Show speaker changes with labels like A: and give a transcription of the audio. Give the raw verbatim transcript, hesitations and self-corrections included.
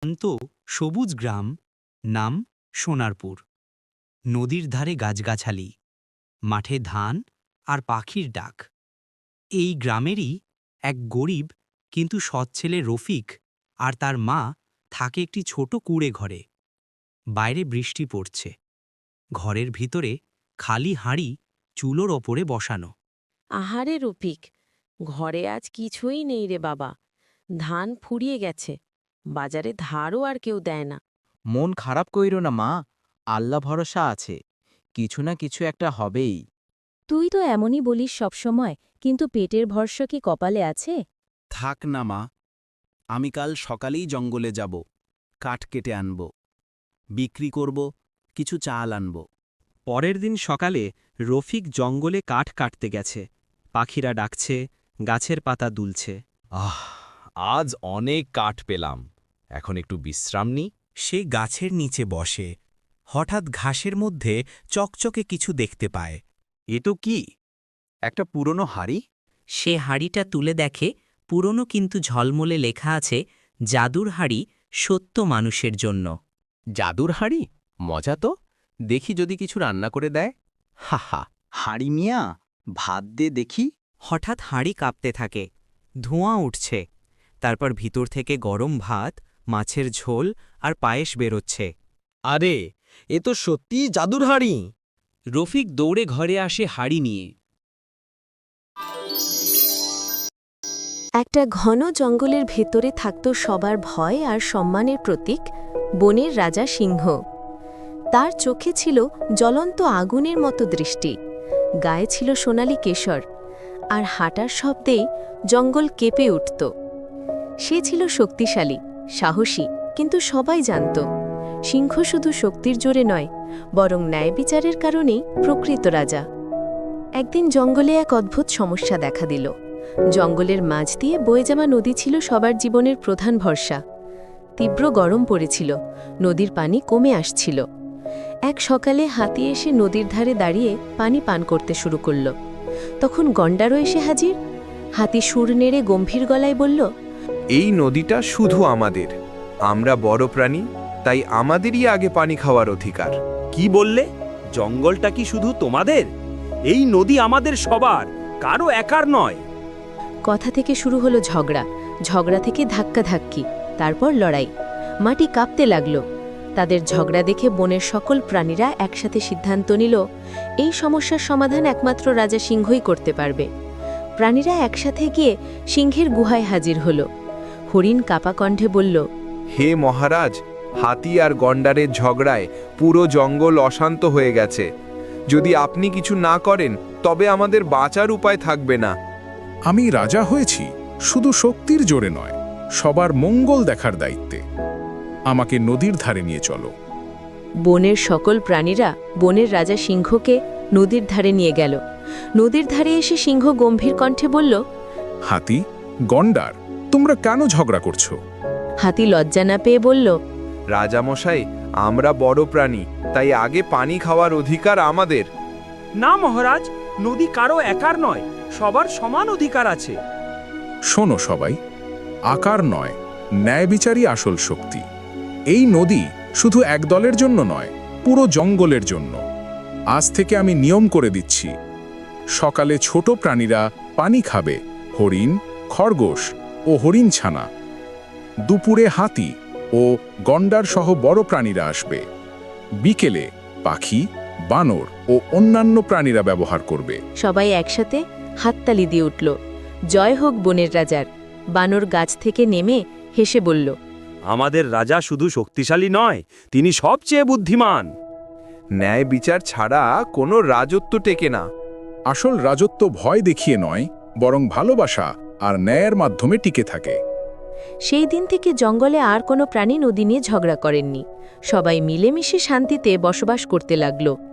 A: শান্ত সবুজ গ্রাম, নাম সোনারপুর। নদীর ধারে গাছগাছালি, মাঠে ধান আর পাখির ডাক। এই গ্রামেরই এক গরিব কিন্তু সৎ ছেলে রফিক আর তার মা থাকে একটি ছোট কুঁড়ে ঘরে। বাইরে বৃষ্টি পড়ছে, ঘরের ভিতরে খালি হাঁড়ি চুলোর ওপরে বসানো।
B: আহারে রফিক, ঘরে আজ কিছুই নেই রে বাবা। ধান ফুরিয়ে গেছে, বাজারে ধারও আর কেউ দেয় না।
C: মন খারাপ কইরো না মা, আল্লাহ ভরসা আছে, কিছু না কিছু একটা হবেই।
D: তুই তো এমনই বলিস সবসময়, কিন্তু পেটের ভরসা কি কপালে আছে?
E: থাক না মা, আমি কাল সকালেই জঙ্গলে যাব, কাঠ কেটে আনব, বিক্রি করব, কিছু চাল আনব।
F: পরের দিন সকালে রফিক জঙ্গলে কাঠ কাটতে গেছে। পাখিরা ডাকছে, গাছের পাতা দুলছে।
G: আহ, আজ অনেক কাঠ পেলাম, এখন একটু বিশ্রাম নিই।
A: সে গাছের নিচে বসে, হঠাৎ ঘাসের মধ্যে চকচকে কিছু দেখতে পায়।
E: এ তো কি, একটা পুরনো হাড়ি?
H: সে হাড়িটা তুলে দেখে, পুরনো কিন্তু ঝলমলে লেখা আছে, জাদুর হাড়ি সত্য মানুষের জন্য।
G: জাদুর হাঁড়ি, মজা তো, দেখি যদি কিছু রান্না করে দেয়। হা হা।
C: হাড়ি মিয়া, ভাত দে দেখি।
H: হঠাৎ হাঁড়ি কাঁপতে থাকে, ধোঁয়া উঠছে, তারপর ভিতর থেকে গরম ভাত, মাছের ঝোল আর পায়েস বেরোচ্ছে।
G: আরে, এ তো সত্যিই জাদুর হাঁড়ি।
F: রফিক দৌড়ে ঘরে আসে হাড়ি নিয়ে।
B: একটা ঘন জঙ্গলের ভেতরে থাকত সবার ভয় আর সম্মানের প্রতীক, বনের রাজা সিংহ। তার চোখে ছিল জ্বলন্ত আগুনের মতো দৃষ্টি, গায়ে ছিল সোনালি কেশর, আর হাঁটার শব্দেই জঙ্গল কেঁপে উঠত। সে ছিল শক্তিশালী, সাহসী, কিন্তু সবাই জানত সিংহ শুধু শক্তির জোরে নয়, বরং ন্যায় বিচারের কারণেই প্রকৃত রাজা। একদিন জঙ্গলে এক অদ্ভুত সমস্যা দেখা দিল। জঙ্গলের মাঝ দিয়ে বয়ে যাওয়া নদী ছিল সবার জীবনের প্রধান ভরসা। তীব্র গরম পড়েছিল, নদীর পানি কমে আসছিল। এক সকালে হাতি এসে নদীর ধারে দাঁড়িয়ে পানি পান করতে শুরু করল। তখন গন্ডারও এসে হাজির। হাতি সুর নেড়ে গম্ভীর গলায় বলল,
I: এই নদীটা শুধু আমাদের, আমরা বড় প্রাণী, তাই আমাদেরই আগে পানি খাওয়ার অধিকার।
J: কি বললে? জঙ্গলটা কি শুধু তোমাদের? এই নদী আমাদের সবার, কারো একার নয়।
B: কথা থেকে শুরু হলো ঝগড়া, ঝগড়া থেকে ধাক্কাধাক্কি, তারপর লড়াই। মাটি কাঁপতে লাগল। তাদের ঝগড়া দেখে বনের সকল প্রাণীরা একসাথে সিদ্ধান্ত নিল, এই সমস্যার সমাধান একমাত্র রাজা সিংহই করতে পারবে। প্রাণীরা একসাথে গিয়ে সিংহের গুহায় হাজির হল। হরিণ কাপা কণ্ঠে বলল,
I: হে মহারাজ, হাতি আর গন্ডারের ঝগড়ায় পুরো জঙ্গল অশান্ত হয়ে গেছে। যদি আপনি কিছু না করেন তবে আমাদের বাঁচার উপায় থাকবে না।
K: আমি রাজা হয়েছি শুধু শক্তির জোরে নয়, সবার মঙ্গল দেখার দায়িত্বে। আমাকে নদীর ধারে নিয়ে চলো।
B: বনের সকল প্রাণীরা বনের রাজা সিংহকে নদীর ধারে নিয়ে গেল। নদীর ধারে এসে সিংহ গম্ভীর কণ্ঠে বলল,
K: হাতি, গন্ডার, তোমরা কেন ঝগড়া করছো?
B: হাতি লজ্জা না পেয়ে বলল,
I: রাজামশাই, আমরা বড় প্রাণী, তাই আগে পানি খাওয়ার অধিকার আমাদের।
J: না মহারাজ, নদী কারো একার নয়, সবার সমান অধিকার আছে।
K: শোনো সবাই, আকার নয়, ন্যায় বিচারই আসল শক্তি। এই নদী শুধু এক দলের জন্য নয়, পুরো জঙ্গলের জন্য। আজ থেকে আমি নিয়ম করে দিচ্ছি, সকালে ছোট প্রাণীরা পানি খাবে, হরিণ, খরগোশ ও হরিণ ছানা। দুপুরে হাতি ও গন্ডার সহ বড় প্রাণীরা আসবে। বিকেলে পাখি, বানর ও অন্যান্য প্রাণীরা ব্যবহার করবে।
B: সবাই একসাথে হাততালি দিয়ে উঠল, জয় হোক বনের রাজার। বানর গাছ থেকে নেমে হেসে বলল,
J: আমাদের রাজা শুধু শক্তিশালী নয়, তিনি সবচেয়ে বুদ্ধিমান।
I: ন্যায় বিচার ছাড়া কোনো রাজত্ব টেকে না।
K: আসল রাজত্ব ভয় দেখিয়ে নয়, বরং ভালোবাসা আর ন্যায়ের মাধ্যমে টিকে থাকে।
B: সেই দিন থেকে জঙ্গলে আর কোনো প্রাণী নদী নিয়ে ঝগড়া করেননি। সবাই মিলেমিশে শান্তিতে বসবাস করতে লাগল।